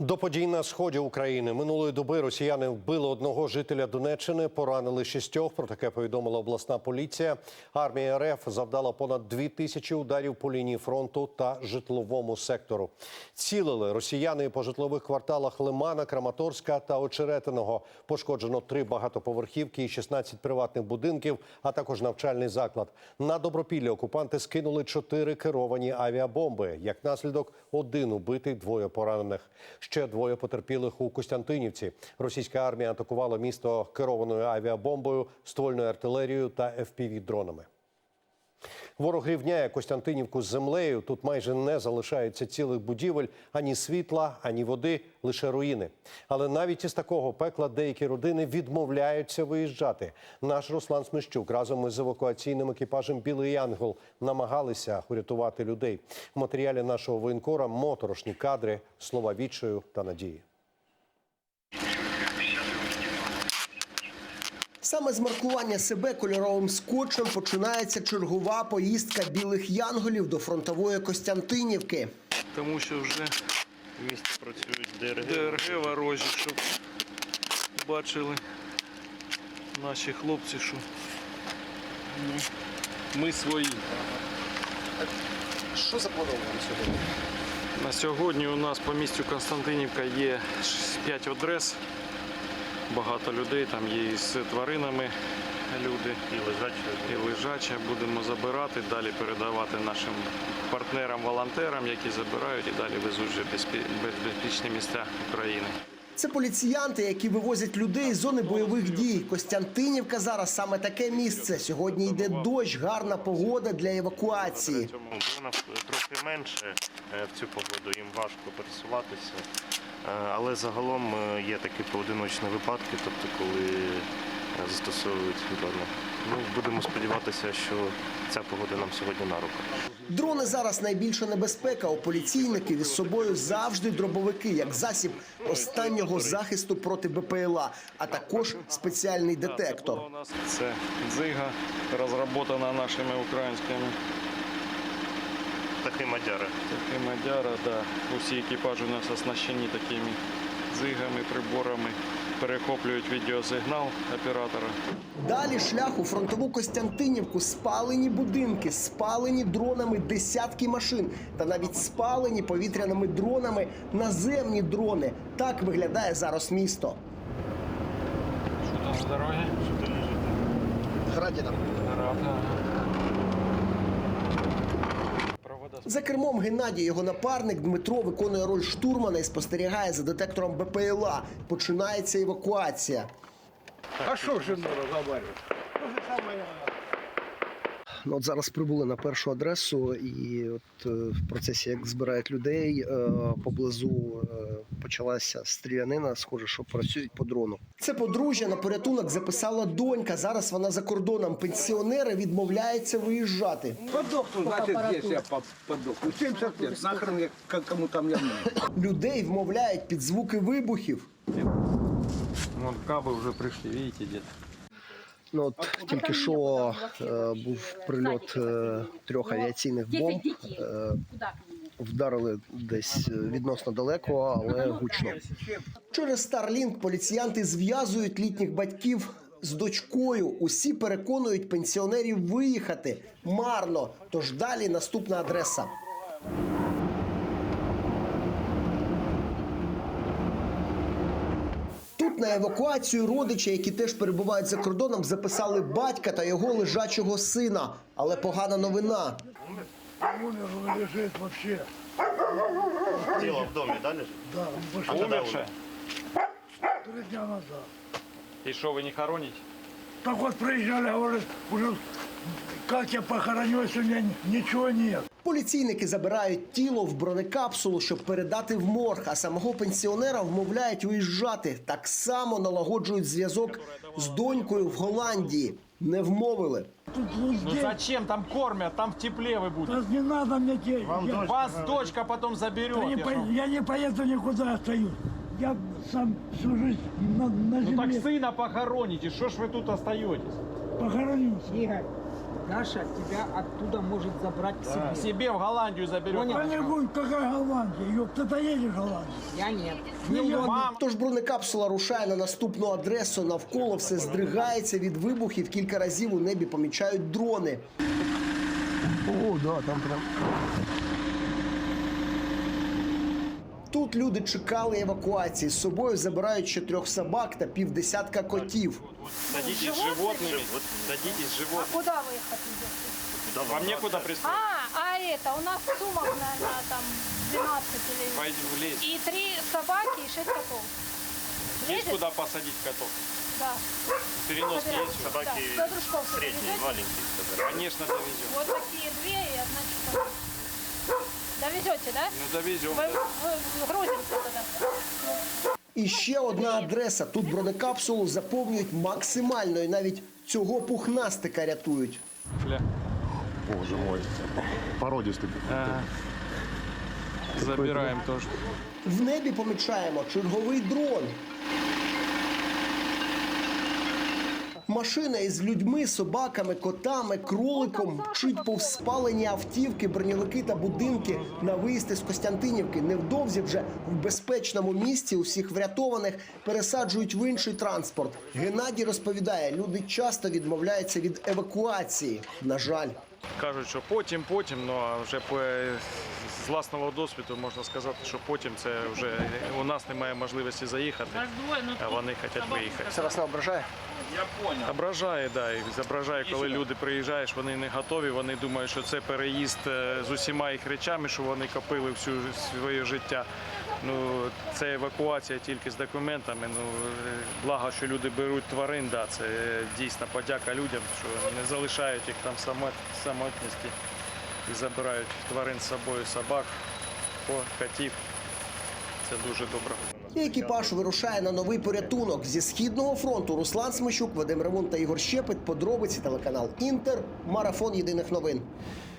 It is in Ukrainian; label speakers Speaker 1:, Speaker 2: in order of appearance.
Speaker 1: До подій на сході України минулої доби росіяни вбили одного жителя Донеччини, поранили 6. Про таке повідомила обласна поліція. Армія РФ завдала понад 2000 ударів по лінії фронту та житловому сектору. Цілили росіяни по житлових кварталах Лимана, Краматорська та Очеретиного. Пошкоджено 3 багатоповерхівки і 16 приватних будинків, а також навчальний заклад. На Добропілля окупанти скинули 4 керовані авіабомби. Як наслідок, 1 убитий, 2 поранених. Ще 2 потерпілих у Костянтинівці. Російська армія атакувала місто керованою авіабомбою, ствольною артилерією та FPV-дронами. Ворог рівняє Костянтинівку з землею. Тут майже не залишається цілих будівель, ані світла, ані води, лише руїни. Але навіть із такого пекла деякі родини відмовляються виїжджати. Наш Руслан Смещук разом із евакуаційним екіпажем «Білий Янгол» намагалися урятувати людей. В матеріалі нашого воєнкора моторошні кадри, слова відчаю та надії.
Speaker 2: Саме з маркування себе кольоровим скотчем починається чергова поїздка «Білих Янголів» до фронтової Костянтинівки.
Speaker 3: Тому що вже в місті працюють ДРГ ворожі, щоб бачили наші хлопці, що ми свої.
Speaker 2: Що заплановано сьогодні?
Speaker 3: На сьогодні у нас по місту Костянтинівка є 5 адрес. Багато людей, там є і з тваринами люди, і лежачі. Будемо забирати, далі передавати нашим партнерам-волонтерам, які забирають і далі везуть вже безпечні місця України.
Speaker 2: Це поліціянти, які вивозять людей з зони бойових дій. Костянтинівка зараз саме таке місце. Сьогодні йде дощ, гарна погода для евакуації.
Speaker 4: Трохи менше в цю погоду, їм важко пересуватися. Але загалом є такі поодиночні випадки, тобто коли застосовують дрони. Будемо сподіватися, що ця погода нам сьогодні на руку.
Speaker 2: Дрони зараз найбільша небезпека. У поліційників із собою завжди дробовики, як засіб останнього захисту проти БПЛА, а також спеціальний детектор.
Speaker 3: Це дзига, розроблена нашими українськими.
Speaker 4: Такі мадяри.
Speaker 3: Такі мадяри, да. Усі екіпажі у нас оснащені такими дзигами, приборами. Перехоплюють відеосигнал оператора.
Speaker 2: Далі шлях у фронтову Костянтинівку. Спалені будинки, спалені дронами десятки машин та навіть спалені повітряними дронами наземні дрони. Так виглядає зараз місто.
Speaker 3: Що там з дороги?
Speaker 2: Граді там.
Speaker 3: Града.
Speaker 2: За кермом Геннадій, його напарник Дмитро виконує роль штурмана і спостерігає за детектором БПЛА. Починається евакуація.
Speaker 5: А що ж не розговорювати?
Speaker 2: От зараз прибули на першу адресу і от в процесі, як збирають людей, поблизу почалася стрілянина, схоже, що працюють по дрону. Це подружжя на порятунок записала донька, зараз вона за кордоном. Пенсіонери відмовляються виїжджати.
Speaker 5: Подохну, значить, здесь я подохну. 70 лет, нахрен я кому там я нужен.
Speaker 2: Людей вмовляють під звуки вибухів.
Speaker 3: Вон каби вже прийшли, бачите, де.
Speaker 2: Ну, от тільки що був прильот 3 авіаційних бомб. Вдарили десь відносно далеко, але гучно. Через Starlink поліціянти зв'язують літніх батьків з дочкою. Усі переконують пенсіонерів виїхати. Марно. Тож далі наступна адреса. Тут на евакуацію родичі, які теж перебувають за кордоном, записали батька та його лежачого сина. Але погана новина.
Speaker 6: Умер, лежит вообще.
Speaker 4: Тіло в домі, да, лежить?
Speaker 6: Да, он пошел
Speaker 3: Умерше?
Speaker 6: 3 дня назад.
Speaker 3: І що, ви не хороните?
Speaker 6: Так вот приезжали, говорят, уже как я похороню, если у меня ничего нет.
Speaker 2: Поліційники забирають тіло в бронекапсулу, щоб передати в морг, а самого пенсіонера вмовляють виїжджати. Так само налагоджують зв'язок з донькою в Голландії. Не вмовили.
Speaker 6: Тут
Speaker 7: Ну
Speaker 6: здесь,
Speaker 7: зачем? Там кормят, там в тепле вы будете.
Speaker 6: да не надо мне денег.
Speaker 7: Вас дочка потом заберет.
Speaker 6: Я не поеду никуда, остаюсь. Я сам всю жизнь на
Speaker 7: Ну так
Speaker 6: земле
Speaker 7: сына похороните, что ж вы тут остаетесь?
Speaker 6: похоронился.
Speaker 8: Даша тебя оттуда может забрать к себе.
Speaker 7: Себе в Голландию заберет.
Speaker 8: Понял.
Speaker 6: Что-нибудь, какая Голландия? Ёпта, ты едешь в Голландию?
Speaker 8: Я нет.
Speaker 7: Мам,
Speaker 2: Тож бронекапсула рушає на наступну адресу. Навколо все здригається від вибухів. Кілька разів у небі помічають дрони. О, да, там прям. Тут люди чекали евакуації. З собою забирають ще 3 собак та півдесятка котів.
Speaker 3: Садитесь с животными. Садитесь с животными.
Speaker 9: Куда вы их отвезете?
Speaker 3: Вам некуда пристроить.
Speaker 9: Это у нас сумок, наверное, там 12 или...
Speaker 3: Пойдем в лес.
Speaker 9: И 3 собаки, и 6 котов.
Speaker 3: Есть
Speaker 9: Влезет?
Speaker 3: куда посадить котов?
Speaker 9: Да.
Speaker 3: Перенос
Speaker 9: Собираем.
Speaker 3: есть?
Speaker 4: Собаки
Speaker 9: Да. До дружков
Speaker 4: средние,
Speaker 9: довезете?
Speaker 4: маленькие. собирают.
Speaker 3: Конечно, довезем.
Speaker 9: Вот такие 2 и 1 часовая. Довезете, да?
Speaker 3: Ну, довезем.
Speaker 9: Вы грузимся тогда.
Speaker 2: І ще одна адреса. Тут бронекапсулу заповнюють максимально. І навіть цього пухнастика рятують.
Speaker 3: Бля.
Speaker 10: Боже мой. Породистый.
Speaker 3: Ага. Забираем тоже.
Speaker 2: В небі помічаємо черговий дрон. Машина із людьми, собаками, котами, кроликом мчить повз спалені автівки, броньовики та будинки на виїзд із Костянтинівки. Невдовзі вже в безпечному місці усіх врятованих пересаджують в інший транспорт. Геннадій розповідає, люди часто відмовляються від евакуації. На жаль.
Speaker 3: Кажуть, що потім, але вже з власного досвіду можна сказати, що потім це вже у нас немає можливості заїхати, а вони хочуть виїхати.
Speaker 2: Це вас не ображає?
Speaker 3: Ображає, да, і зображає, коли люди приїжджаєш, вони не готові, вони думають, що це переїзд з усіма їх речами, що вони копили всю своє життя. Ну, це евакуація тільки з документами. Ну, благо, що люди беруть тварин, да, це дійсно подяка людям, що не залишають їх там самотності і забирають тварин з собою, собак, котів. Це дуже добре.
Speaker 2: І екіпаж вирушає на новий порятунок. Зі Східного фронту Руслан Смещук, Вадим Ремун та Ігор Щепет. Подробиці телеканал Інтер. Марафон єдиних новин.